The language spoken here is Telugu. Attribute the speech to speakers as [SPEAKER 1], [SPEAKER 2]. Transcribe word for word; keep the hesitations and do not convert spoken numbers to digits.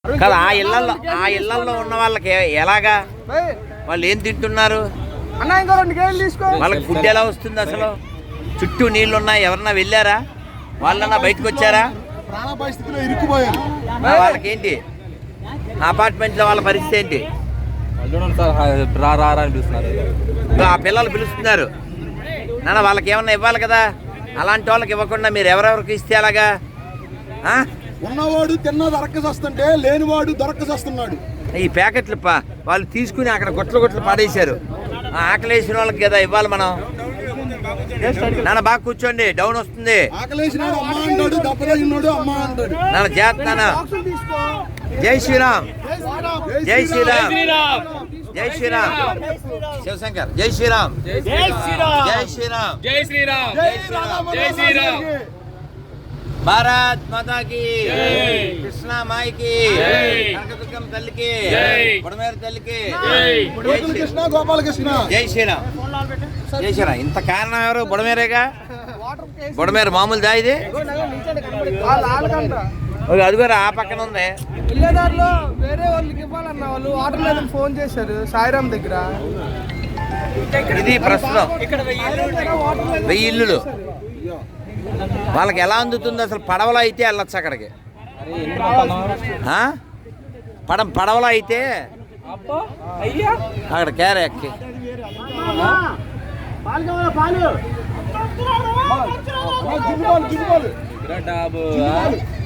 [SPEAKER 1] కదా ఆ ఇళ్లలో ఆ ఇళ్లలో ఉన్న వాళ్ళకి ఎలాగా వాళ్ళు ఏం తింటున్నారు? వాళ్ళకి ఫుడ్ ఎలా వస్తుంది? అసలు చుట్టూ నీళ్లు ఉన్నాయి, ఎవరన్నా వెళ్ళారా? వాళ్ళన్నా బయటకు వచ్చారా? వాళ్ళకి ఏంటి అపార్ట్మెంట్ లో వాళ్ళ పరిస్థితి ఏంటి? ఆ పిల్లలు పిలుస్తున్నారు నాన్న, వాళ్ళకి ఏమన్నా ఇవ్వాలి కదా. అలాంటి వాళ్ళకి ఇవ్వకుండా మీరు ఎవరెవరికి ఇస్తే అలాగా?
[SPEAKER 2] ఉన్నవాడు తిన్న దొరకసేస్తుంటే లేనివాడు దొరకసేస్తున్నాడు.
[SPEAKER 1] ఈ ప్యాకెట్లు పా వాళ్ళు తీసుకుని అక్కడ గుట్లు గుట్లు పాడేశారు. ఆకలేసిన వాళ్ళకి కదా ఇవ్వాలి మనం. నాన్న బాగా కూర్చోండి, డౌన్ వస్తుంది. నాన్న జాగ్రత్త. జై శ్రీరామ్, జై శ్రీరామ్, జై శ్రీరామ్. శివశంకర్ జై శ్రీరామ్, జై శ్రీరామ్, జై శ్రీరామ్, జై శ్రీరామ్, జై శ్రీరామ్, జై శ్రీరామ్. భారత్ మాతా కి, కృష్ణ మాయికి, కనకదుర్గమ్మ తల్లికి, బుడమేరు తల్లికి,
[SPEAKER 2] కృష్ణ గోపాలకృష్ణ,
[SPEAKER 1] జై శ్రీరామ్, జై శ్రీరామ్. ఇంత కారణం ఎవరు? బుడమేరేగా. బుడమేరు మామూలు దా ఇది. అదిగోరా ఆ పక్కన ఉంది.
[SPEAKER 3] వెళ్ళేదారిలో వేరే వాళ్ళకి ఇవ్వాలన్న వాళ్ళు వాటర్ లేదని ఫోన్ చేశారు సాయిరామ్ దగ్గర.
[SPEAKER 1] ఇది ప్రస్తుతం వెయ్యి ఇల్లులు. వాళ్ళకి ఎలా అందుతుంది అసలు? పడవలో అయితే వెళ్ళొచ్చు అక్కడికి. పడ పడవలో అయితే అక్కడ కేరే ఎక్కి
[SPEAKER 2] పాలు